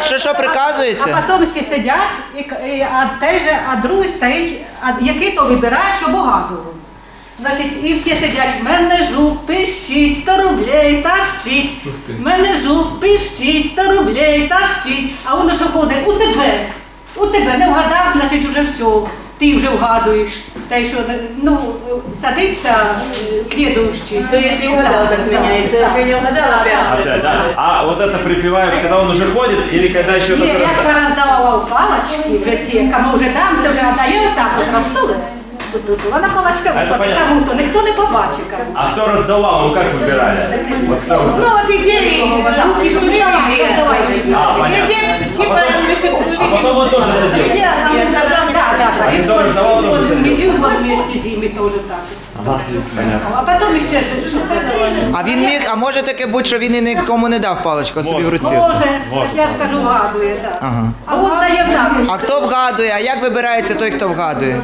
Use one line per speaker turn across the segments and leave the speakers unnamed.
що приказується?
А потім всі сидять, а другий стоїть, який то вибирає, що багато. Значить, і всі сидять, мене жук, пищить, 100 рублей, тащить. Мене жук, пищить, 100 рублей, тащить. А воно що ходить, у тебе, не вгадав, значить уже все, ти вже вгадуєш. Та й що, ну, садиться слідуючий.
То если угадал, так меняется, если не угадал, опять.
Да. А вот это припевают, когда он уже ходит или когда еще
Ні,
только
як пороздавав палочки в Росії, кому вже там, це вже віддає отак от розтули. Вона палочка випаде кому-то, ніхто не побачив кому.
А кто раздавал, ну как выбирали? Вот кто раздавал?
Ну вот идеи, руки, что ли,
А, понятно.
типа,
А потом он тоже садился. А кто раздавал, тоже садился.
Він вместе з ними теж так.
Ага, понятно.
А потім ще що це давай.
А він міг, а може таке бути, що він і нікому не дав паличку, а собі в руці
Може,
оставив?
так я ж кажу, вгадує, так.
Ага.
А от дає так.
А хто вгадує? А як вибирається той, хто вгадує?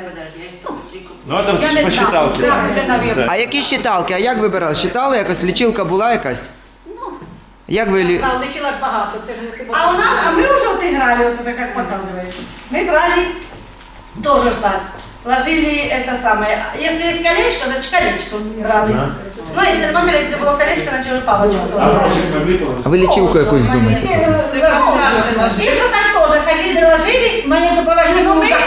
Ну это
Я не
по
знаю.
считалке.
Так, вже, навірно.
А які щиталки? А як вибирали? Щитали якось? Лічилка була якась? Як ви...
Там лишилось багато, це ж не
А у нас, а мы уже вот играли, вот это как показывает. Мы брали, тоже ж так, ложили это самое. Если есть колечко, значит колечко играли.
Да.
Ну, если маме было колечко, значит уже палочку тоже.
А ви лічилку якусь думаєте?
Им так тоже ходили, ложили, монету положили, ну мы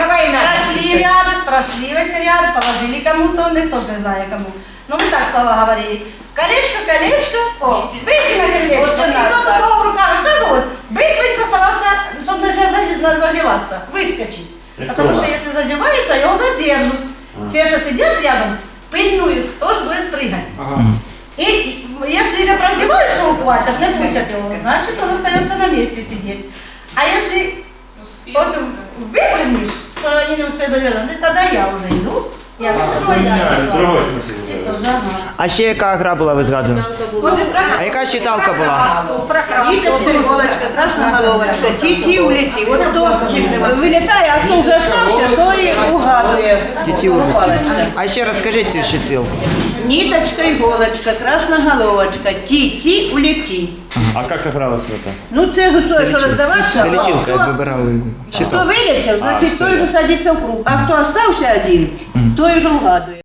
прошли весь ряд, положили кому-то, никто же не знает кому. Ну мы так слова говорили. Колечко, колечко, выйти на колечко. И кто у кого в руках оказывалось, быстренько старался, чтобы не зазеваться, выскочить. Потому что если зазевается, его задержат. Те, что сидят рядом, пильнуют, кто же будет прыгать. И если не прозевают, что ухватят, не пустят его, значит он остается на месте сидеть. А если вот выпрыгнешь, что они не успеют задержать, тогда я уже иду. Я
В другой смысле.
А ще яка гра була, ви згадували? А яка щиталка була?
Ниточка, иголочка, красная головочка, ти улети. Вот кто вылетает, а кто уже остался, то и угадывает.
Тіті улиці. А ще раз скажіть цю щитилку.
Ниточка, иголочка, красная головочка, ти улети.
А как игралось в это?
Ну це ж то, що роздавався.
Це лічилка, як вибирали
Хто
щиталку.
вилетів, значить той же садиться в круг. А хто остався один, той вже вгадує.